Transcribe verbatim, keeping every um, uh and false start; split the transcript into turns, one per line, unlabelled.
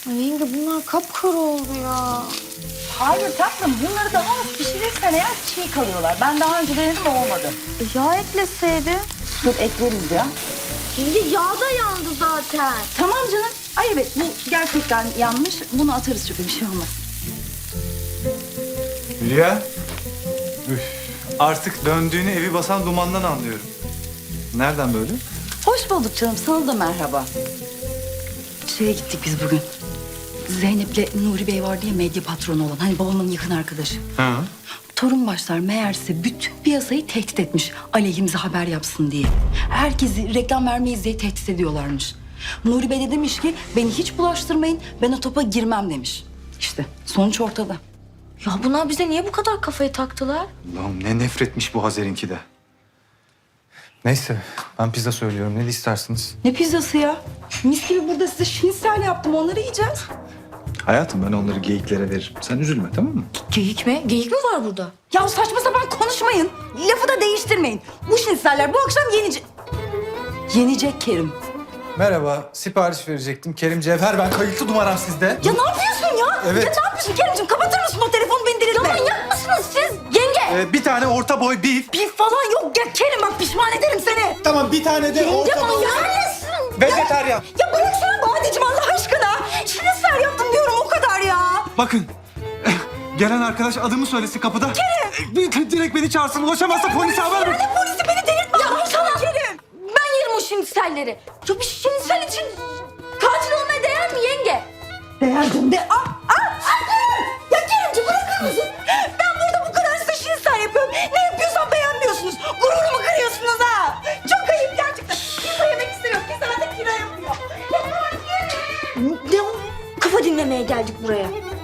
Ay yenge bunlar kapkara oldu ya.
Hayır tatlım, bunları daha az pişirirsen eğer çiğ kalıyorlar. Ben daha önce denedim, olmadı.
E, yağ ekleseydi.
Dur ekleriz ya.
Yenge yağ da yandı zaten.
Tamam canım. Ay evet, bu gerçekten yanmış. Bunu atarız çünkü bir şey olmaz.
Hülya. Üf, artık döndüğünü evi basan dumandan anlıyorum. Nereden böyle?
Hoş bulduk canım, sana da merhaba. Şeye gittik biz bugün. Zeynep'le Nuri Bey vardı ya, medya patronu olan. Hani babamın yakın arkadaşı.
Ha.
Torun başlar meğerse bütün piyasayı tehdit etmiş aleyhimize haber yapsın diye. Herkesi reklam vermeyiz diye tehdit ediyorlarmış. Nuri Bey de demiş ki beni hiç bulaştırmayın, ben o topa girmem demiş. İşte sonuç ortada.
Ya bunlar bize niye bu kadar kafayı taktılar?
Allah'ım ne nefretmiş bu Hazer'inki de. Neyse ben pizza söylüyorum. Ne istersiniz?
Ne pizzası ya? Mis gibi burada size şinisel yaptım, onları yiyeceğiz.
Hayatım ben onları geyiklere veririm. Sen üzülme tamam mı?
Geyik mi? Geyik mi var burada?
Ya saçma sapan konuşmayın. Lafı da değiştirmeyin. Bu şiniseller bu akşam yenecek. Yenecek Kerim.
Merhaba. Sipariş verecektim. Kerim Cevher ben. Kayıtlı numaram sizde.
Ya ne yapıyorsun ya?
Evet.
Ya ne yapıyorsun Kerimciğim? Kapatır mısın o telefonu, beni delirtme.
Ya manyak mısınız siz? Yenge!
Ee, bir tane orta boy beef.
Bir falan yok ya Kerim, bak pişman ederim seni.
Tamam bir tane de
Yenge
orta boy.
manyak mısın?
Vejetaryen.
Ya bıraksana Badeciğim Allah aşkına. Şinisel yaptım diyorum, o kadar ya.
Bakın. Gelen arkadaş adımı söylesin kapıda. Kerim. Direkt beni çağırsın. Ulaşamazsa polise haber ver.
Yani polisi beni delirtme.
Ya sana!
Kerim.
Ben yerim o şiniselleri. Ya bir şinisel için katil olmaya değer mi yenge?
Değerdim de. Ah, ah, ah Kerim. Ya Kerimciğim bırakır mısın? Ben burada bu kadar size şinisel yapıyorum. Ne yapıyorsam beğenmiyorsunuz. Gururumu kırıyorsunuz ha. Çok ayıp gerçekten. Pizza yemek istemiyor. Pizza da kira yapıyor. Ya Kerim.
Ne o? Kafa dinlemeye geldik buraya.